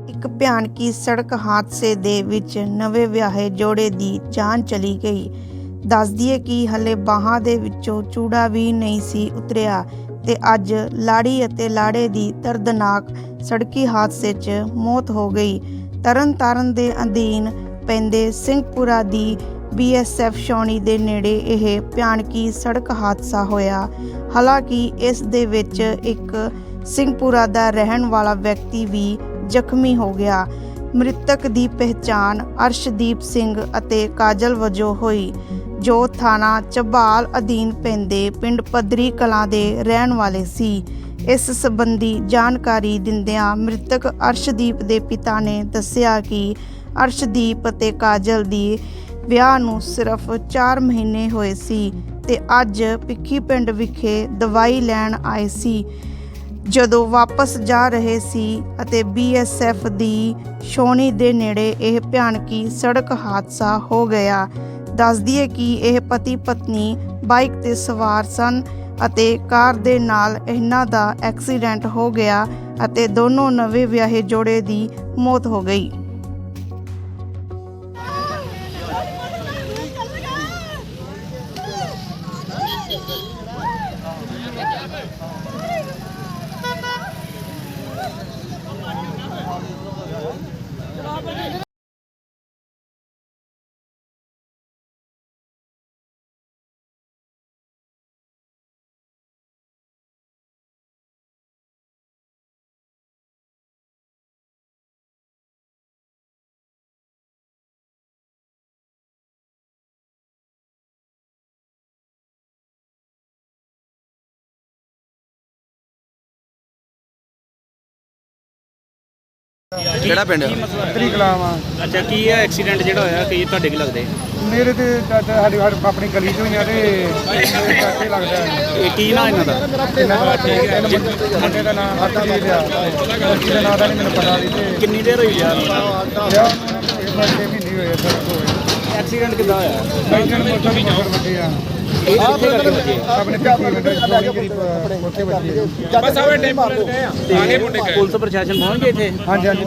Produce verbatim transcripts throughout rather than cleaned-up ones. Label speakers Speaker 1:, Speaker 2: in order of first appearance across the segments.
Speaker 1: ਇੱਕ ਭਿਆਨਕੀ ਸੜਕ ਹਾਦਸੇ ਦੇ ਵਿੱਚ ਨਵੇਂ ਵਿਆਹੇ ਜੋੜੇ ਦੀ ਜਾਨ ਚਲੀ ਗਈ। ਦੱਸ ਦਈਏ ਕਿ ਹਲੇ ਬਾਹਾਂ ਦੇ ਵਿੱਚੋਂ ਚੂੜਾ ਵੀ ਨਹੀਂ ਸੀ ਉਤਰਿਆ ਤੇ ਅੱਜ ਲਾੜੀ ਅਤੇ ਲਾੜੇ ਦੀ ਦਰਦਨਾਕ ਸੜਕੀ ਹਾਦਸੇ 'ਚ ਮੌਤ ਹੋ ਗਈ। ਤਰਨ ਤਾਰਨ ਦੇ ਅਧੀਨ ਪੈਂਦੇ ਸਿੰਘਪੁਰਾ ਦੀ ਬੀ ਐਸ ਐਫ ਛਾਉਣੀ ਦੇ ਨੇੜੇ ਇਹ ਭਿਆਨਕੀ ਸੜਕ ਹਾਦਸਾ ਹੋਇਆ। ਹਾਲਾਂਕਿ ਇਸ ਦੇ ਵਿੱਚ ਇੱਕ ਸਿੰਘਪੁਰਾ ਦਾ ਰਹਿਣ ਵਾਲਾ ਵਿਅਕਤੀ ਵੀ ਜ਼ਖਮੀ ਹੋ ਗਿਆ। ਮ੍ਰਿਤਕ ਦੀ ਪਹਿਚਾਣ ਅਰਸ਼ਦੀਪ ਸਿੰਘ ਅਤੇ ਕਾਜਲ ਵਜੋਂ ਹੋਈ, ਜੋ ਥਾਣਾ ਝਬਾਲ ਅਧੀਨ ਪੈਂਦੇ ਪਿੰਡ ਪੱਧਰੀ ਕਲਾਂ ਦੇ ਰਹਿਣ ਵਾਲੇ ਸੀ। ਇਸ ਸੰਬੰਧੀ ਜਾਣਕਾਰੀ ਦਿੰਦਿਆਂ ਮ੍ਰਿਤਕ ਅਰਸ਼ਦੀਪ ਦੇ ਪਿਤਾ ਨੇ ਦੱਸਿਆ ਕਿ ਅਰਸ਼ਦੀਪ ਅਤੇ ਕਾਜਲ ਦੀ ਵਿਆਹ ਨੂੰ ਸਿਰਫ ਚਾਰ ਮਹੀਨੇ ਹੋਏ ਸੀ ਤੇ ਅੱਜ ਭਿੱਖੀ ਪਿੰਡ ਵਿਖੇ ਦਵਾਈ ਲੈਣ ਆਏ ਸੀ। ਜਦੋਂ ਵਾਪਸ ਜਾ ਰਹੇ ਸੀ ਅਤੇ ਬੀ ਐਸ ਐਫ ਦੀ ਛਾਉਣੀ ਦੇ ਨੇੜੇ ਇਹ ਭਿਆਨਕੀ ਸੜਕ ਹਾਦਸਾ ਹੋ ਗਿਆ। ਦੱਸ ਦਈਏ ਕਿ ਇਹ ਪਤੀ ਪਤਨੀ ਬਾਈਕ ਤੇ ਸਵਾਰ ਸਨ ਅਤੇ ਕਾਰ ਦੇ ਨਾਲ ਇਹਨਾਂ ਦਾ ਐਕਸੀਡੈਂਟ ਹੋ ਗਿਆ ਅਤੇ ਦੋਨੋਂ ਨਵੇਂ ਵਿਆਹੇ ਜੋੜੇ ਦੀ ਮੌਤ ਹੋ ਗਈ।
Speaker 2: ਕਿਹੜਾ ਪਿੰਡ
Speaker 3: ਪੱਧਰੀ ਕਲਾਂ ਵਾ।
Speaker 4: ਅੱਛਾ, ਕੀ ਹੈ ਐਕਸੀਡੈਂਟ ਜਿਹੜਾ ਹੋਇਆ, ਕੀ ਤੁਹਾਡੇ ਕੀ ਲੱਗਦੇ?
Speaker 3: ਮੇਰੇ ਤੇ ਚਾਚਾ ਸਾਡੀ ਆਪਣੀ ਗਲੀ ਚੋਂ ਹੀ ਆ ਤੇ ਚਾਚੇ ਲੱਗਦਾ।
Speaker 4: ਇਹ ਕੀ ਨਾਂ ਇਹਨਾਂ ਦਾ?
Speaker 3: ਇਹਨਾਂ ਦਾ ਮੁੰਡੇ ਦਾ ਨਾਮ ਹਰਜੀਤ ਆ, ਲੜਕੀ ਦਾ ਨਾਮ ਦਾ ਨਹੀਂ ਮੈਨੂੰ ਪਤਾ ਵੀ। ਤੇ
Speaker 4: ਕਿੰਨੀ ਦੇਰ ਹੋਈ ਯਾਰ?
Speaker 3: ਵਿਆਹ ਛੇ ਮਹੀਨੇ ਹੋਏ ਸਰ।
Speaker 4: ਐਕਸੀਡੈਂਟ ਕਿੱਦਾਂ ਹੋਇਆ?
Speaker 3: ਬਾਈਕਨ ਮੋਟਰ ਵੀ ਮੋਟਰ ਵੱਡੇ ਆ
Speaker 4: ਇਹ ਕਿੱਥੇ ਕਰਕੇ ਵੱਜੇ?
Speaker 3: ਆਪਣੇ ਪਿੱਛੇ ਵੱਡੇ ਛੋਟੀ ਗਰੀਬ ਉੱਥੇ ਵੱਡੇ।
Speaker 5: ਬਸ ਆਵੇ ਟੈਂਪੂ ਗਏ ਆ ਆਗੇ ਮੁੰਡੇ ਗਏ।
Speaker 4: ਪੁਲਿਸ ਪ੍ਰਸ਼ਾਸਨ ਪਹੁੰਚ ਗਏ ਇੱਥੇ?
Speaker 3: ਹਾਂਜੀ ਹਾਂਜੀ।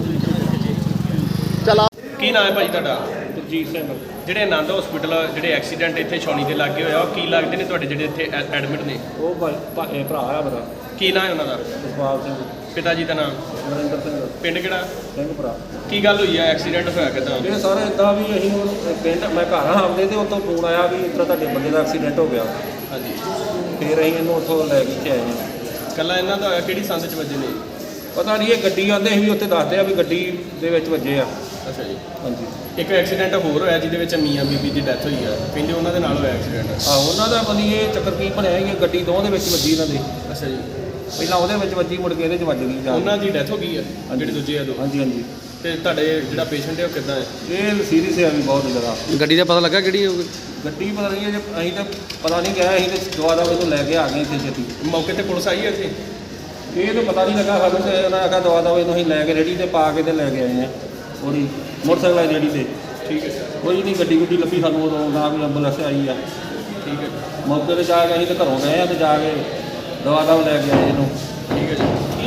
Speaker 5: ਕੀ ਨਾਮ ਹੈ ਭਾਈ ਤੁਹਾਡਾ?
Speaker 4: ਜੀ ਸਿੰਘ।
Speaker 5: ਜਿਹੜੇ ਆਨੰਦ ਹਸਪੀਟਲ ਜਿਹੜੇ ਐਕਸੀਡੈਂਟ ਇੱਥੇ ਛਾਉਣੀ ਦੇ ਲਾਗੇ ਹੋਇਆ, ਉਹ ਕੀ ਲੱਗਦੇ ਨੇ ਤੁਹਾਡੇ ਜਿਹੜੇ ਇੱਥੇ ਐਡਮਿਟ ਨੇ?
Speaker 4: ਉਹ ਭਰਾ ਆ ਮੇਰਾ,
Speaker 5: ਕੀ ਨਾਮ ਹੈ ਉਹਨਾਂ ਦਾ?
Speaker 4: ਜਸਪਾਲ ਸਿੰਘ।
Speaker 5: ਪਿਤਾ ਜੀ ਦਾ ਨਾਮ?
Speaker 4: ਨਰਿੰਦਰ ਸਿੰਘ
Speaker 5: ਪਿੰਡ ਕਿਹੜਾ?
Speaker 4: ਸਿੰਘਪੁਰਾ।
Speaker 5: ਕੀ ਗੱਲ ਹੋਈ ਹੈ, ਐਕਸੀਡੈਂਟ ਹੋਇਆ ਕਿੱਦਾਂ?
Speaker 4: ਇਹ ਸਾਰੇ ਇਦਾਂ ਵੀ ਅਸੀਂ ਪਿੰਡ ਮੈਂ ਘਰ ਆ ਆਉਂਦੇ ਤੇ ਉੱਥੋਂ ਫੋਨ ਆਇਆ ਵੀ ਇਸ ਤਰ੍ਹਾਂ ਤੁਹਾਡੇ ਬੰਦੇ ਦਾ ਐਕਸੀਡੈਂਟ ਹੋ ਗਿਆ।
Speaker 5: ਹਾਂਜੀ,
Speaker 4: ਫਿਰ ਅਸੀਂ ਇਹਨੂੰ ਉੱਥੋਂ ਲੈ ਕੇ ਇੱਥੇ ਆਏ ਹਾਂ।
Speaker 5: ਕੱਲਾ ਇਹਨਾਂ ਦਾ ਹੋਇਆ? ਕਿਹੜੀ ਸੰਦ 'ਚ ਵੱਜੇ ਨੇ?
Speaker 4: ਪਤਾ ਨਹੀਂ, ਇਹ ਗੱਡੀ ਆਉਂਦੇ ਸੀ ਵੀ ਉੱਥੇ ਦੱਸਦੇ ਆ ਵੀ ਗੱਡੀ ਦੇ ਵਿੱਚ ਵੱਜੇ ਆ।
Speaker 5: ਅੱਛਾ ਜੀ।
Speaker 4: ਹਾਂਜੀ।
Speaker 5: ਇੱਕ ਐਕਸੀਡੈਂਟ ਹੋਰ ਹੋਇਆ ਜਿਹਦੇ ਵਿੱਚ ਮੀਆਂ ਬੀਬੀ ਦੀ ਡੈਥ ਹੋਈ ਆ, ਕਹਿੰਦੇ ਉਹਨਾਂ ਦੇ ਨਾਲ ਹੋਇਆ ਐਕਸੀਡੈਂਟ।
Speaker 4: ਆਹੋ, ਉਹਨਾਂ ਦਾ ਮਨੀ ਇਹ ਚੱਕਰ ਕੀ ਬਣਿਆ ਕਿ ਗੱਡੀ ਦੋਵਾਂ ਦੇ ਵਿੱਚ ਵੱਜੀ ਇਹਨਾਂ ਦੇ।
Speaker 5: ਅੱਛਾ ਜੀ।
Speaker 4: ਪਹਿਲਾਂ ਉਹਦੇ ਵਿੱਚ ਵੱਜੀ, ਮੁੜ ਕੇ ਇਹਦੇ 'ਚ ਵੱਜ ਗਈ ਜਾ।
Speaker 5: ਉਹਨਾਂ ਦੀ ਡੈਥ ਹੋ ਗਈ ਆ ਜਿਹੜੇ ਦੂਜੇ ਆ ਦੋ?
Speaker 4: ਹਾਂਜੀ ਹਾਂਜੀ।
Speaker 5: ਤੇ ਤੁਹਾਡੇ ਜਿਹੜਾ ਪੇਸ਼ੈਂਟ ਹੈ ਉਹ ਕਿੱਦਾਂ ਹੈ?
Speaker 4: ਇਹ ਸੀਰੀਅਸ ਹੈ ਵੀ ਬਹੁਤ ਜ਼ਿਆਦਾ।
Speaker 2: ਗੱਡੀ ਦਾ ਪਤਾ ਲੱਗਾ ਕਿਹੜੀ ਹੋਊਗੀ?
Speaker 4: ਗੱਡੀ ਪਤਾ ਨਹੀਂ, ਜੇ ਅਸੀਂ ਤਾਂ ਪਤਾ ਨਹੀਂ ਗਿਆ, ਅਸੀਂ ਤਾਂ ਦਵਾ ਦਵਾ ਇਹਨੂੰ ਲੈ ਕੇ ਆ ਗਏ ਇੱਥੇ ਛੇਤੀ।
Speaker 5: ਮੌਕੇ ਤੇ ਪੁਲਿਸ ਆਈ ਹੈ ਇੱਥੇ?
Speaker 4: ਇਹ ਤਾਂ ਪਤਾ ਨਹੀਂ ਲੱਗਾ ਸਾਨੂੰ, ਤੇ ਉਹਨਾਂ ਆਖਿਆ ਦਵਾ ਦਵਾ ਇਹਨੂੰ ਅਸੀਂ ਲੈ ਕੇ ਰੇੜੀ ਤੇ ਪਾ ਕੇ ਤੇ ਲੈ ਕੇ ਆਏ ਹਾਂ ਉਹਦੀ ਮੋਟਰਸਾਈਕਲ ਵਾਲੀ ਰੇੜੀ ਤੇ।
Speaker 5: ਠੀਕ ਹੈ,
Speaker 4: ਕੋਈ ਨਹੀਂ, ਗੱਡੀ ਗੁੱਡੀ ਲੱਭੀ ਸਾਨੂੰ ਉਦੋਂ, ਨਾ ਕੋਈ ਐਂਬੂਲੈਂਸ ਆਈ ਆ।
Speaker 5: ਠੀਕ ਹੈ,
Speaker 4: ਮੌਕੇ 'ਤੇ ਜਾ ਕੇ ਅਸੀਂ ਤਾਂ ਘਰੋਂ ਗਏ ਆ ਤੇ ਜਾ ਕੇ ਦਵਾ ਦਵਾ ਲੈ ਕੇ ਆਏ ਇਹਨੂੰ।
Speaker 5: ਠੀਕ ਹੈ ਜੀ।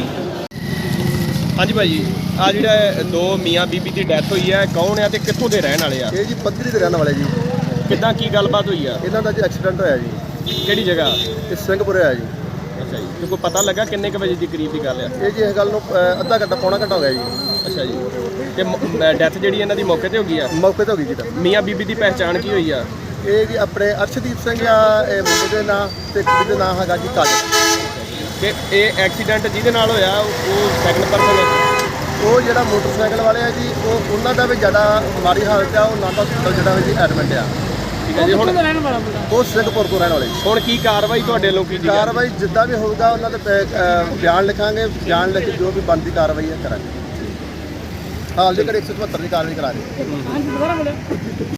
Speaker 5: ਹਾਂਜੀ ਭਾਈ ਜੀ, ਆ ਜਿਹੜਾ ਦੋ ਮੀਆਂ ਬੀਬੀ ਦੀ ਡੈਥ ਹੋਈ ਹੈ, ਕੌਣ ਆ ਤੇ ਕਿੱਥੋਂ ਦੇ ਰਹਿਣ ਵਾਲੇ ਆ?
Speaker 6: ਇਹ ਜੀ ਪੱਧਰੀ ਦੇ ਰਹਿਣ ਵਾਲੇ ਜੀ।
Speaker 5: ਕਿੱਦਾਂ, ਕੀ ਗੱਲਬਾਤ ਹੋਈ ਆ?
Speaker 6: ਇਹਨਾਂ ਦਾ ਜੀ ਐਕਸੀਡੈਂਟ ਹੋਇਆ ਜੀ।
Speaker 5: ਕਿਹੜੀ ਜਗ੍ਹਾ?
Speaker 6: ਇਹ ਸਿੰਘਪੁਰੇ ਹੋਇਆ ਜੀ।
Speaker 5: ਅੱਛਾ ਜੀ। ਤੇ ਕੋਈ ਪਤਾ ਲੱਗਾ ਕਿੰਨੇ ਕੁ ਵਜੇ ਦੀ ਕਰੀਬ ਦੀ ਗੱਲ ਆ?
Speaker 6: ਇਹ ਜੀ ਇਸ ਗੱਲ ਨੂੰ ਅ, ਅੱਧਾ ਘੰਟਾ ਪੌਣਾ ਘੰਟਾ ਹੋ ਗਿਆ ਜੀ।
Speaker 5: ਅੱਛਾ ਜੀ। ਤੇ ਡੈਥ ਜਿਹੜੀ ਇਹਨਾਂ ਦੀ ਮੌਕੇ ਤੇ ਹੋ ਗਈ ਆ?
Speaker 6: ਮੌਕੇ ਤੇ ਹੋ ਗਈ ਜੀ ਤਾਂ।
Speaker 5: ਮੀਆਂ ਬੀਬੀ ਦੀ ਪਹਿਚਾਣ ਕੀ ਹੋਈ ਆ?
Speaker 6: ਇਹ ਜੀ ਆਪਣੇ ਅਰਸ਼ਦੀਪ ਸਿੰਘ ਆ, ਇਹ ਮੁੰਡੇ ਦੇ ਨਾਂ ਤੇ ਕੁੜੀ ਦੇ ਨਾਂ ਹੈਗਾ ਜੀ ਕਾਜਲ।
Speaker 5: ਕਿ ਇਹ ਐਕਸੀਡੈਂਟ ਜਿਹਦੇ ਨਾਲ ਹੋਇਆ ਉਹ ਸੈਕੰਡ ਪਰਸਨ ਹੈ?
Speaker 6: ਉਹ ਜਿਹੜਾ ਮੋਟਰਸਾਈਕਲ ਵਾਲੇ ਆ ਜੀ, ਉਹ ਉਹਨਾਂ ਦਾ ਵੀ ਜ਼ਿਆਦਾ ਮਾੜੀ ਹਾਲਤ ਆ। ਉਹ ਨਾਂਦਾ ਹਸਪਤਾਲ ਜਿਹੜਾ ਵੀ ਜੀ ਐਡਮਿਟ ਆ।
Speaker 5: ਠੀਕ ਹੈ ਜੀ। ਹੁਣ
Speaker 6: ਉਹ ਸਿੰਘਪੁਰ ਤੋਂ ਰਹਿਣ ਵਾਲੇ ਜੀ।
Speaker 5: ਹੁਣ ਕੀ ਕਾਰਵਾਈ ਤੁਹਾਡੇ ਲੋਕ ਕੀਤੀ?
Speaker 6: ਕਾਰਵਾਈ ਜਿੱਦਾਂ ਵੀ ਹੋਊਗਾ ਉਹਨਾਂ ਦੇ ਪੈ- ਅ, ਬਿਆਨ ਲਿਖਾਂਗੇ, ਬਿਆਨ ਲਿਖ ਕੇ ਜੋ ਵੀ ਬਣਦੀ ਕਾਰਵਾਈ ਹੈ ਕਰਾਂਗੇ। ਹਾਲ ਦੇ ਘੜੀ ਇੱਕ ਸੌ ਚੁਹੱਤਰ ਦੀ ਕਾਰਵਾਈ ਕਰਾ ਰਹੇ।